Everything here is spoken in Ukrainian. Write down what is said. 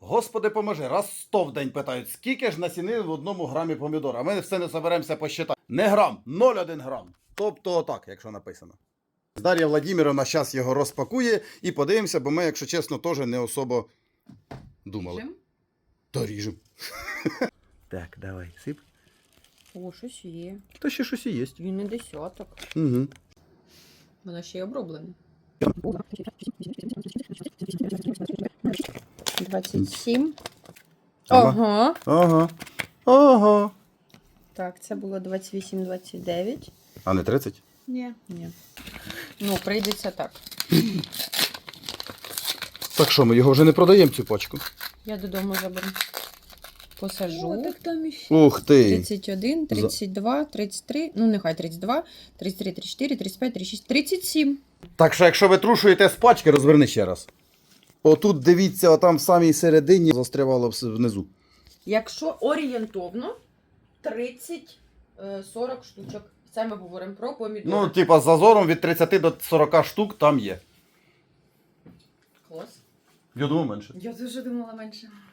Господи поможи, раз 100 в день питають, скільки ж насінин в 1 грамі помідора. А ми все не соберемося посчитати. Не грам, 0,1 грам. Тобто отак, якщо написано. Дар'я Владимировна зараз його розпакує і подивимося, бо ми, якщо чесно, теж не особо думали. Ріжем? Та ріжем. Так, давай, сип. О, щось є. Та ще щось і є. Він не десяток. Угу. Воно ще й оброблене. 27. Ага. Ага. Ага. Так, це було 28-29. А не 30? Ні. Ну, прийдеться так. Так що, ми його вже не продаємо, цю пачку? Я додому заберу. Посажу. О, так там іще. Ух ти! 31, 32, 33, ну нехай 32, 33, 34, 35, 36, 37. Так що, якщо ви трушуєте з пачки, розверни ще раз. Отут, дивіться, отам в самій середині застрявало внизу. Якщо орієнтовно 30-40 штучок. Це ми говоримо про помідори. Ну, типа, з зазором від 30 до 40 штук там є. Клас. Я думаю, менше. Я дуже думала менше.